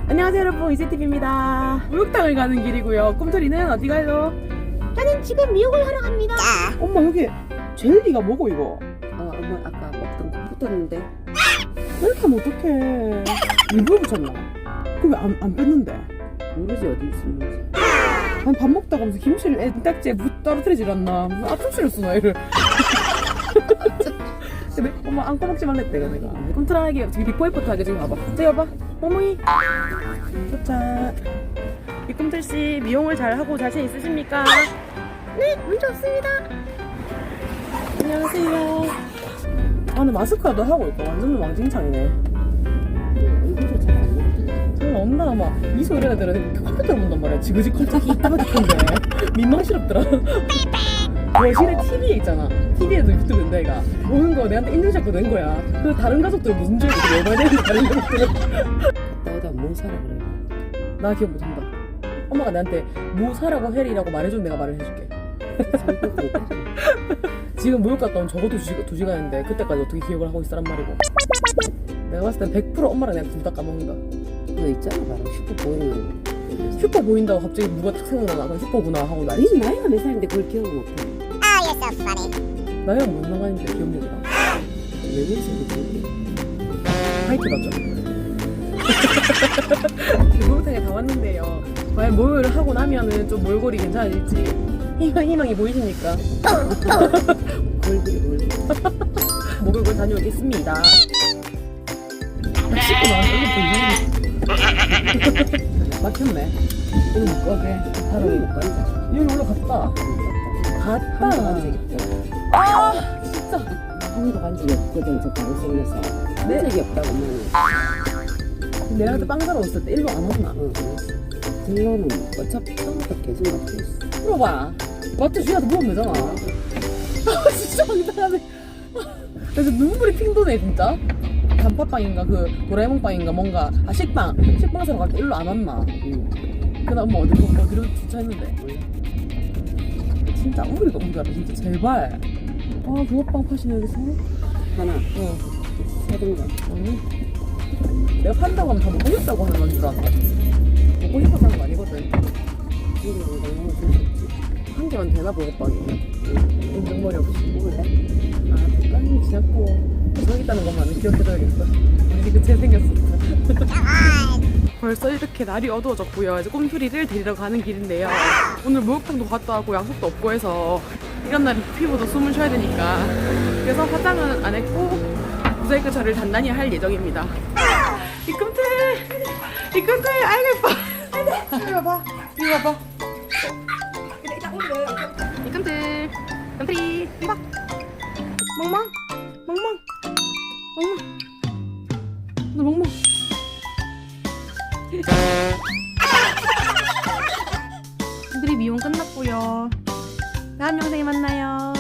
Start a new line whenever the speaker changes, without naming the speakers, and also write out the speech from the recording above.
안녕하세요 여러분, 이세TV입니다. 목욕탕을 가는 길이고요. 꿈토리는 어디 가요?
저는 지금 미역을 하러 갑니다.
엄마 여기 젤리가 뭐고 이거?
엄마 아까 먹던 거 붙었는데.
이렇게 하면 어떡해. 일부러 붙였나? 그럼 왜 안 뺐는데?
모르지 어디 있는지.
아니 밥 먹다가 무슨 김치를 딱지에 떨어뜨리질 않나? 무슨 앞접시를 쓰나 얘를. 근데 엄마 안고 먹지 말랬대 내가. 꿈토라에게 저기 비포 애프터 하게 지금 봐봐. 저기 봐봐. 어머니. 도착. 이 꿈틀씨 미용을 잘하고 자신 있으십니까?
네, 문제 없습니다.
안녕하세요. 아 근데 마스크라도 하고 있고 완전 왕징창이네.
얼굴도 잘 안 먹지.
정말 엄마가 막 미소 이래야 되는데 컴퓨터를 본단 말이야. 지그지 컴퓨터 이따가 듣던데 민망스럽더라. 거실에 TV에 있잖아. TV에도 유튜브인데 얘가 오는 거 내한테 인증샷도 낸 거야. 그래서 다른 가족들 무슨 죄를 열받아야 되는데 다른 가족들은
나보다 뭐 사라 그래.
나 기억 못한다. 엄마가 내한테 뭐 사라고 해리라고 말해주면 내가 말을 해줄게. 지금 목욕 갔다 온 적어도 2시간인데 그때까지 어떻게 기억을 하고 있으란 말이고. 내가 봤을 땐 100% 엄마랑 내가 둘 다 까먹는다.
그거 있잖아 바로 슈퍼 보이는.
슈퍼 보인다고 갑자기 누가 탁 생각나나. 그럼 슈퍼구나 하고 나.
네 나이가 몇 살인데 그걸 기억을 못해.
나이가 못 나가는데 기억력이랑.
왜 그러지 그게?
하이트 맞죠? 목욕탕에 다 왔는데요. 과연 목욕을 하고 나면은 좀 몰골이 괜찮아질지 희망이 보이십니까?
얼굴이
목욕을 다녀오겠습니다. 씻고 나와서 이거 보이네. 막혔네. 오늘 못 가게.
바로 못 간다.
여기 올라갔다. 갔다.
가도 되겠다.
아 진짜.
한도 간 적이 없거든 저 방송에서.
네?
한 적이 없다고 엄마는.
내가 그때 빵 사러 왔을 때 일로 안 왔나?
응 그랬어. 들러는 어차피 처음부터 계속 막혀있어.
물어봐. 마트 주인한테 물어보면 되잖아. 아 진짜 황당하네. 그래서 눈물이 핑 도네 진짜. 단팥빵인가 그 도라에몽빵인가 뭔가 식빵 사러 갈 때 일로 안 왔나. 그다음 엄마 어디로 주차했는데. 진짜 우리가 우리가 진짜 제발. 아 붕어빵 파시네 여기서.
하나 사든가.
아니 내가 판다고 하면 다 먹고 싶다고 하는 건 줄 알아. 먹고 싶어서 하는 거 아니거든.
이거 너무 좋지.
한 개만 되나 붕어빵이. 인정머리 없이.
먹을래?
아 닭강이 지났고 저기 있다는 것만은 기억해둬야겠어. 우리 그체 생겼어. 벌써 이렇게 날이 어두워졌고요. 이제 꿈토리를 데리러 가는 길인데요. 오늘 목욕탕도 갔다 왔고 약속도 없고 해서 이런 날은 피부도 숨을 쉬어야 되니까 그래서 화장은 안 했고 모자이크 처리를 단단히 할 예정입니다. 이 꿈틀 아이고 예뻐. 이리 와봐. 이 꿈틀이 이봐. 멍멍 너 멍멍. 꿈틀이 미용 끝났고요. 다음 영상에 만나요.